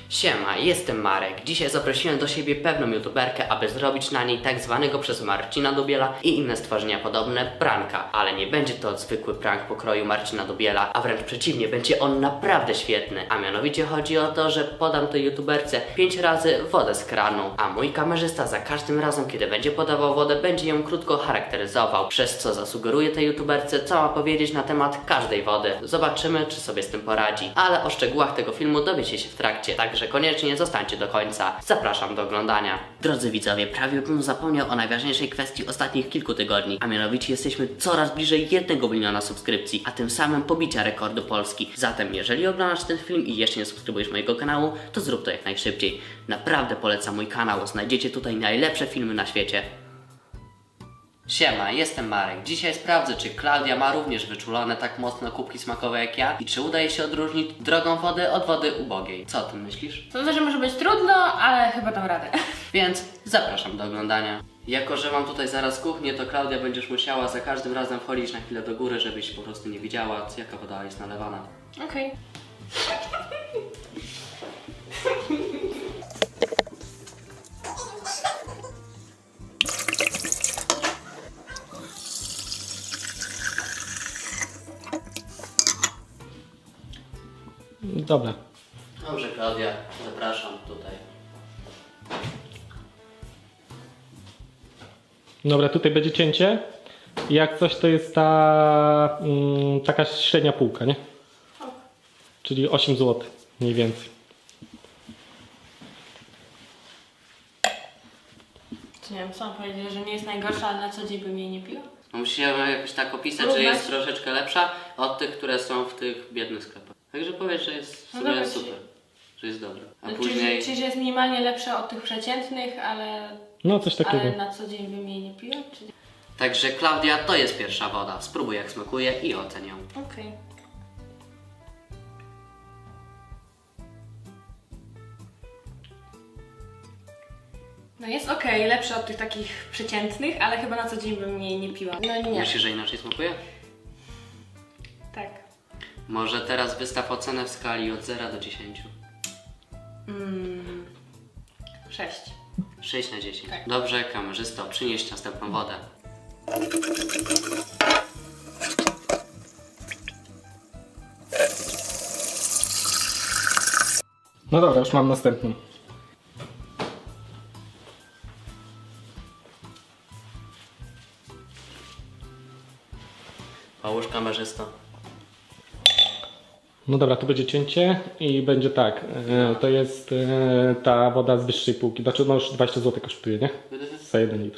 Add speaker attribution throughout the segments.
Speaker 1: Siema, jestem Marek. Dzisiaj zaprosiłem do siebie pewną youtuberkę, aby zrobić na niej tak zwanego przez Marcina Dubiela i inne stworzenia podobne pranka. Ale nie będzie to zwykły prank pokroju Marcina Dubiela, a wręcz przeciwnie, będzie on naprawdę świetny. A mianowicie chodzi o to, że podam tej youtuberce 5 razy wodę z kranu, a mój kamerzysta za każdym razem, kiedy będzie podawał wodę, będzie ją krótko charakteryzował, przez co zasugeruję tej youtuberce, co ma powiedzieć na temat każdej wody. Zobaczymy, czy sobie z tym poradzi, ale o szczegółach tego filmu dowiecie się w trakcie, także koniecznie zostańcie do końca. Zapraszam do oglądania. Drodzy widzowie, prawie bym zapomniał o najważniejszej kwestii ostatnich kilku tygodni, a mianowicie jesteśmy coraz bliżej 1 miliona subskrypcji, a tym samym pobicia rekordu Polski. Zatem jeżeli oglądasz ten film i jeszcze nie subskrybujesz mojego kanału, to zrób to jak najszybciej. Naprawdę polecam mój kanał, znajdziecie tutaj najlepsze filmy na świecie. Siema, jestem Marek. Dzisiaj sprawdzę, czy Klaudia ma również wyczulone tak mocno kubki smakowe jak ja i czy udaje się odróżnić drogą wody od wody ubogiej. Co o tym myślisz?
Speaker 2: To znaczy może być trudno, ale chyba dam radę.
Speaker 1: Więc zapraszam do oglądania. Jako że mam tutaj zaraz kuchnię, to Klaudia będziesz musiała za każdym razem wchodzić na chwilę do góry, żebyś po prostu nie widziała, jaka woda jest nalewana.
Speaker 2: Okej.
Speaker 3: Dobra.
Speaker 1: Dobrze, Klaudia, zapraszam tutaj.
Speaker 3: Dobra, tutaj będzie cięcie. Jak coś to jest ta taka średnia półka, nie? Czyli 8 zł mniej więcej.
Speaker 2: Nie wiem, co mam powiedzieć, że nie jest najgorsza, ale na co dzień bym jej nie piła?
Speaker 1: No musimy jakoś tak opisać, że jest troszeczkę lepsza od tych, które są w tych biednych sklepach. Także powiedz, że jest w sumie
Speaker 2: dobra,
Speaker 1: super, że jest dobra. A
Speaker 2: Czyli,
Speaker 1: później...
Speaker 2: czyli że jest minimalnie lepsza od tych przeciętnych, ale
Speaker 3: No coś takiego.
Speaker 2: na co dzień bym jej nie piła? Czy...
Speaker 1: Także Klaudia, to jest pierwsza woda. Spróbuj jak smakuje i oceń ją.
Speaker 2: Okej. No jest okej, lepsza od tych takich przeciętnych, ale chyba na co dzień bym jej nie piła. No nie.
Speaker 1: Myślisz, że inaczej smakuje?
Speaker 2: Tak.
Speaker 1: Może teraz wystaw ocenę w skali od 0 do 10.
Speaker 2: 6.
Speaker 1: 6 na 10.
Speaker 2: Tak.
Speaker 1: Dobrze, kamerzysto, przynieś następną wodę.
Speaker 3: No dobra, już mam następną.
Speaker 1: Połóż kamerzysto.
Speaker 3: No dobra, tu będzie cięcie i będzie tak. To jest ta woda z wyższej półki. Znaczy no już 20 zł kosztuje, nie? Za 1 litr.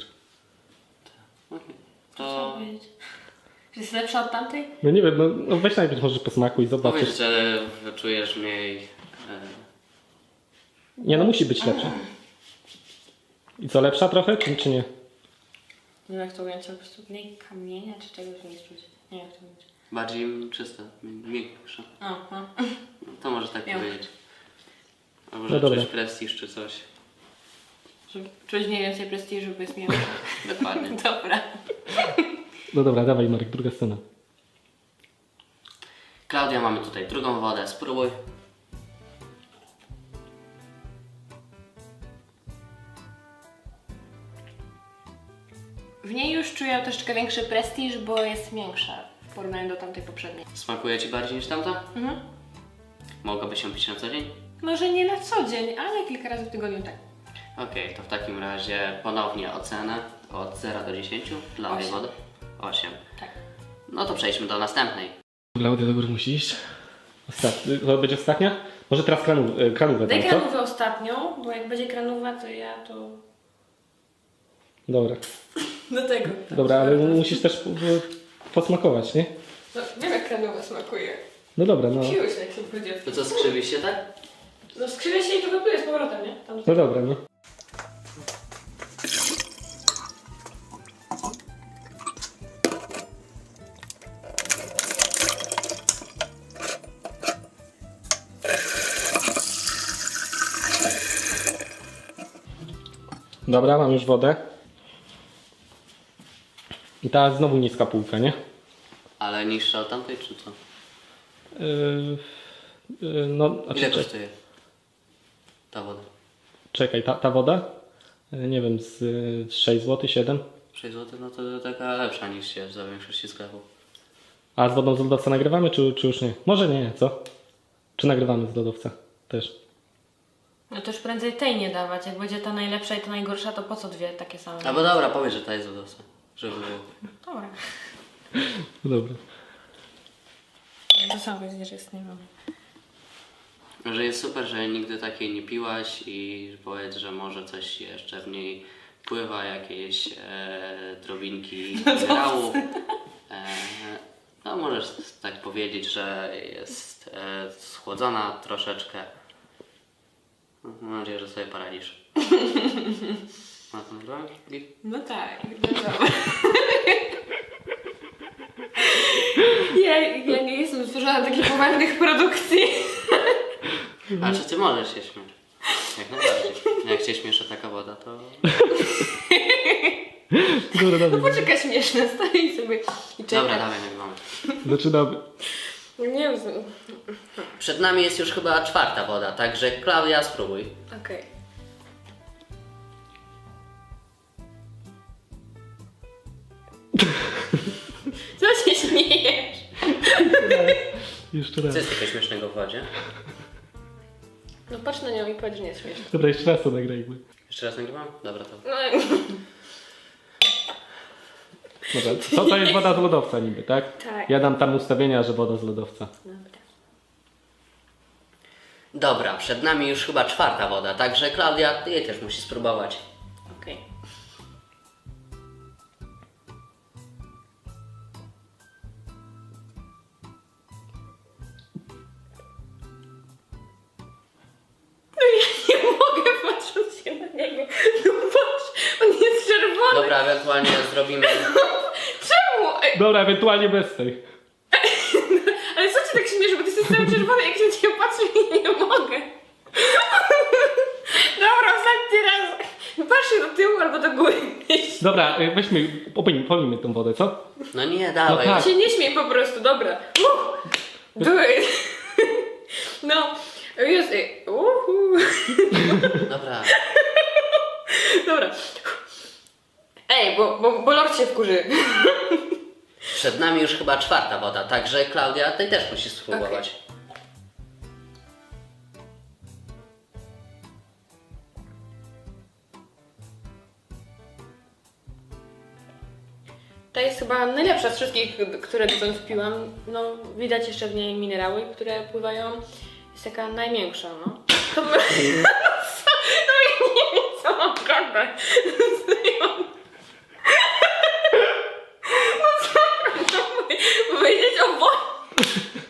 Speaker 1: To
Speaker 2: powiedzieć? Że jest lepsza od tamtej?
Speaker 3: No nie wiem, no weź najpierw może po smaku i zobaczysz.
Speaker 1: powiedz, że czujesz mniej...
Speaker 3: Nie, no musi być lepsza. I co, lepsza trochę, czy nie?
Speaker 2: Nie wiem jak to ująć, po prostu mniej kamienia czy czegoś nie czuć. Nie wiem jak to ująć.
Speaker 1: bardziej czysta, miększa.
Speaker 2: Aha.
Speaker 1: No, to może tak
Speaker 2: Miał.
Speaker 1: powiedzieć. Albo
Speaker 3: No
Speaker 1: że
Speaker 3: dobra.
Speaker 1: czuć prestiż czy coś.
Speaker 2: Żeby czuć mniej więcej prestiżu, bo jest miło.
Speaker 1: Dokładnie.
Speaker 2: Dobra.
Speaker 3: No dobra, dawaj Marek, druga scena.
Speaker 1: Klaudia, mamy tutaj drugą wodę. Spróbuj.
Speaker 2: W niej już czuję troszeczkę większy prestiż, bo jest większa w porównaniu do tamtej poprzedniej.
Speaker 1: Smakuje Ci bardziej niż tamta?
Speaker 2: Mhm.
Speaker 1: Mogłaby się pić na co dzień?
Speaker 2: Może nie na co dzień, ale kilka razy w tygodniu tak.
Speaker 1: Okej, to w takim razie ponownie ocenę od 0 do 10 dla tej
Speaker 2: 8.
Speaker 1: wody. 8.
Speaker 2: Tak.
Speaker 1: No to przejdźmy do następnej.
Speaker 3: Klaudia, do góry musi iść. To będzie ostatnia? Może teraz kranówę
Speaker 2: Daj
Speaker 3: tam, co?
Speaker 2: kranówę ostatnią, bo jak będzie kranowa, to ja to...
Speaker 3: Dobra.
Speaker 2: Do tego.
Speaker 3: Dobra, ale musisz też posmakować, nie?
Speaker 2: No, wiem jak kranowa smakuje.
Speaker 3: No dobra, no.
Speaker 2: Piłeś jak się powiedział.
Speaker 1: To co, skrzywisz się tak?
Speaker 2: No skrzywia się i to wypluje z powrotem, nie? Tam
Speaker 3: No dobra, no. Dobra, mam już wodę. I ta znowu niska półka, nie?
Speaker 1: Ale niższa od tamtej, czy co?
Speaker 3: No, a
Speaker 1: Ile
Speaker 3: czy-
Speaker 1: kosztuje? Ta woda.
Speaker 3: Czekaj, ta woda? Nie wiem, z 6 zł, 7?
Speaker 1: 6 zł, no to taka lepsza niż jest za większości sklepów.
Speaker 3: A z wodą z lodowca nagrywamy, czy już nie? Może nie, co? Czy nagrywamy z lodowca też?
Speaker 2: No to już prędzej tej nie dawać. Jak będzie ta najlepsza i ta najgorsza, to po co dwie takie same?
Speaker 1: Albo dobra, powiedz, że ta jest lodowca. Żeby było.
Speaker 2: Dobra.
Speaker 3: Dobra.
Speaker 2: To samo powiedzieć, że jest, nie wiem.
Speaker 1: Że jest super, że nigdy takiej nie piłaś i powiedz, że może coś jeszcze w niej pływa, jakieś drobinki minerałów. No możesz tak powiedzieć, że jest schłodzona troszeczkę. Mam nadzieję, że sobie poradzisz. Na to nagrałem?
Speaker 2: No tak, no dobra. Ja nie jestem stworzona do takich poważnych produkcji.
Speaker 1: A czy ty możesz się śmiać? Jak najbardziej. Jak się śmieszy taka woda, to...
Speaker 3: Dobra,
Speaker 2: No
Speaker 3: dawaj.
Speaker 2: poczekaj, śmieszne, stoi sobie i czeka.
Speaker 1: Dobra, dawaj, nagrywamy.
Speaker 3: Zaczynamy.
Speaker 2: Nie wiem,
Speaker 1: Przed nami jest już chyba 4. woda, także Klaudia, spróbuj.
Speaker 2: okej. Co się śmiejesz?
Speaker 3: Jeszcze raz.
Speaker 1: Co jest takiego śmiesznego w wodzie?
Speaker 2: No patrz na nią i powiedz, że nie jest śmieszne.
Speaker 3: Dobra, jeszcze raz to nagrajmy.
Speaker 1: Jeszcze raz nagrywam? Dobra, to...
Speaker 2: No,
Speaker 3: Dobra, co to jest woda z lodowca niby, tak?
Speaker 2: Tak.
Speaker 3: Ja dam tam ustawienia, że woda z lodowca.
Speaker 2: dobra.
Speaker 1: Dobra, przed nami już chyba 4. woda, także Klaudia, ty jej też musisz spróbować.
Speaker 2: Okej. No ja nie mogę patrzeć się na niego. No patrz, on jest czerwony.
Speaker 1: Dobra, ewentualnie zrobimy...
Speaker 2: Czemu? Ej,
Speaker 3: Dobra, ewentualnie bez tej.
Speaker 2: ale co cię tak śmieszy, bo ty jesteś cały czerwony, jak się na ciebie patrzę i nie mogę. Dobra, ostatni raz. Patrzę do tyłu albo do góry.
Speaker 3: Dobra, weźmy, polimy tą wodę, co?
Speaker 1: No nie, dawaj.
Speaker 3: No tak.
Speaker 2: Się nie śmiej po prostu, dobra. Do it. No, jest.
Speaker 1: Dobra.
Speaker 2: Dobra. Ej, bo Lord się wkurzy.
Speaker 1: Przed nami już chyba 4. woda, także Klaudia, ty też musisz spróbować.
Speaker 2: Ta jest chyba najlepsza z wszystkich, które dotąd piłam. No, widać jeszcze w niej minerały, które pływają. Jest taka najmiększa, no. To my... No i nie wiem, co mam gadać. No co mam powiedzieć o wodzie?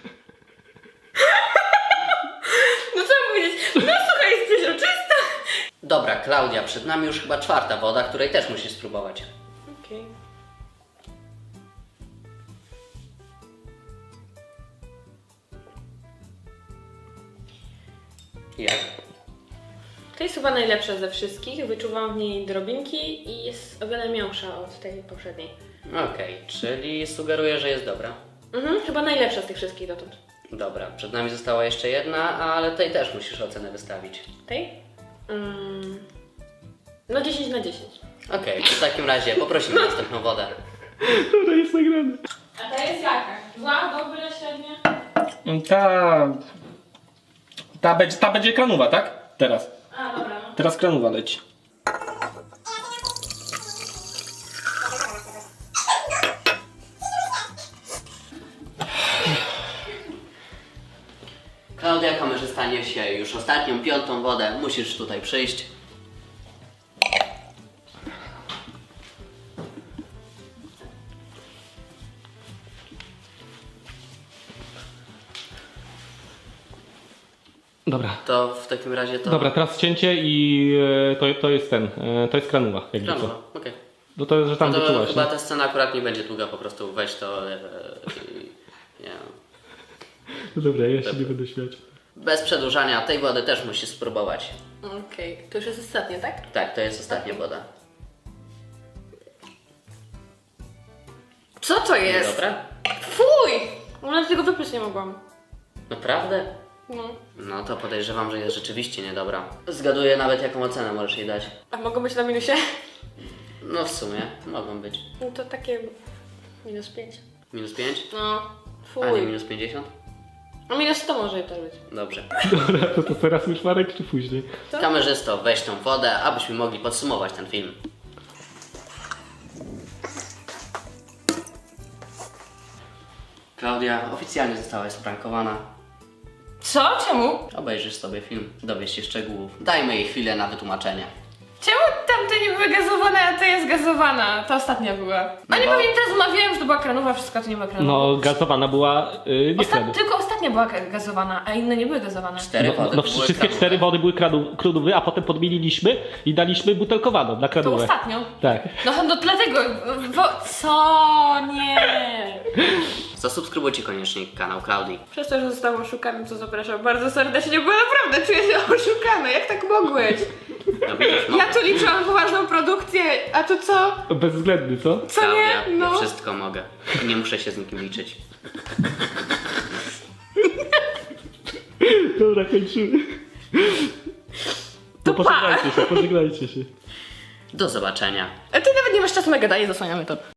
Speaker 2: No co mam powiedzieć? No słuchaj, jest przeźroczysta.
Speaker 1: Dobra, Klaudia, przed nami już chyba 4. woda, której też musisz spróbować.
Speaker 2: Okej.
Speaker 1: Jak?
Speaker 2: To jest chyba najlepsza ze wszystkich. Wyczuwam w niej drobinki i jest o wiele miększa od tej poprzedniej.
Speaker 1: Okej, czyli sugeruję, że jest dobra.
Speaker 2: Chyba najlepsza z tych wszystkich dotąd.
Speaker 1: Dobra, przed nami została jeszcze jedna, ale tej też musisz ocenę wystawić.
Speaker 2: Tej? No 10 na 10.
Speaker 1: Okej, w takim razie poprosimy następną wodę.
Speaker 3: Dobra, jest nagrane.
Speaker 2: A ta jest jaka? Zła, dobra, średnia?
Speaker 3: Ta będzie kranowa, tak? Teraz.
Speaker 2: A, dobra, no.
Speaker 3: Teraz kranowa leci.
Speaker 1: Klaudia, kamerzysta niesie już ostatnią, 5. wodę. Musisz tutaj przyjść.
Speaker 3: Dobra.
Speaker 1: To w takim razie to...
Speaker 3: Dobra, teraz cięcie i to jest to jest kranowa, jakby
Speaker 1: Kranowa,
Speaker 3: co.
Speaker 1: okej.
Speaker 3: No to, że tam
Speaker 1: No to
Speaker 3: wyczułaś,
Speaker 1: chyba
Speaker 3: nie?
Speaker 1: ta scena akurat nie będzie długa, po prostu weź to nie wiem.
Speaker 3: No dobra, ja się nie będę śmiać.
Speaker 1: Bez przedłużania, tej wody też musisz spróbować.
Speaker 2: Okej, to już jest ostatnie, tak?
Speaker 1: Tak, to jest ostatnia woda.
Speaker 2: Co to jest?
Speaker 1: Dobra?
Speaker 2: Fuj! Nawet tego wypić nie mogłam.
Speaker 1: Naprawdę?
Speaker 2: No.
Speaker 1: No to podejrzewam, że jest rzeczywiście niedobra. Zgaduję nawet jaką ocenę możesz jej dać.
Speaker 2: A mogą być na minusie?
Speaker 1: No w sumie, mogą być.
Speaker 2: No to takie -5.
Speaker 1: Minus 5?
Speaker 2: No,
Speaker 1: A nie
Speaker 2: fuj.
Speaker 1: minus 50?
Speaker 2: No -100 może to być.
Speaker 1: Dobrze.
Speaker 3: Dobra, to teraz już Marek, czy później?
Speaker 2: Co?
Speaker 1: Kamerzysto, weź tą wodę, abyśmy mogli podsumować ten film. Klaudia, oficjalnie zostałaś sprankowana.
Speaker 2: Co? Czemu?
Speaker 1: Obejrzysz sobie film, dowiesz się szczegółów. Dajmy jej chwilę na wytłumaczenie.
Speaker 2: Czemu tamte nie były gazowane, a ta jest gazowana? Ta ostatnia była.
Speaker 1: No
Speaker 2: A nie
Speaker 1: bo-
Speaker 2: pewnie teraz zmawiałem, że to była kranowa, wszystko to nie była kranowa.
Speaker 3: No, gazowana była nie kradu.
Speaker 2: Tylko ostatnia była gazowana, a inne nie były gazowane.
Speaker 1: 4 wody
Speaker 3: No,
Speaker 1: były
Speaker 3: wszystkie
Speaker 1: kradowe.
Speaker 3: 4 wody były krudowe, a potem podmieniliśmy i daliśmy butelkowaną na
Speaker 2: To
Speaker 3: kradowe.
Speaker 2: ostatnią.
Speaker 3: Tak.
Speaker 2: No dlatego, co? Nie.
Speaker 1: Zasubskrybujcie koniecznie kanał Klaudii.
Speaker 2: Przez to, że został oszukany, to zapraszam bardzo serdecznie, bo naprawdę czuję się oszukany. Jak tak mogłeś?
Speaker 1: No widzisz, no.
Speaker 2: Ja tu liczyłam poważną produkcję, a tu co?
Speaker 3: Bezwzględny, co?
Speaker 2: Co
Speaker 1: Klaudia,
Speaker 2: nie? No.
Speaker 1: ja wszystko mogę. Nie muszę się z nikim liczyć.
Speaker 3: Dobra, kończymy.
Speaker 2: To
Speaker 3: No, pożegnajcie się.
Speaker 1: Do zobaczenia.
Speaker 2: A ty nawet nie masz czasu na gadanie, zasłaniamy to.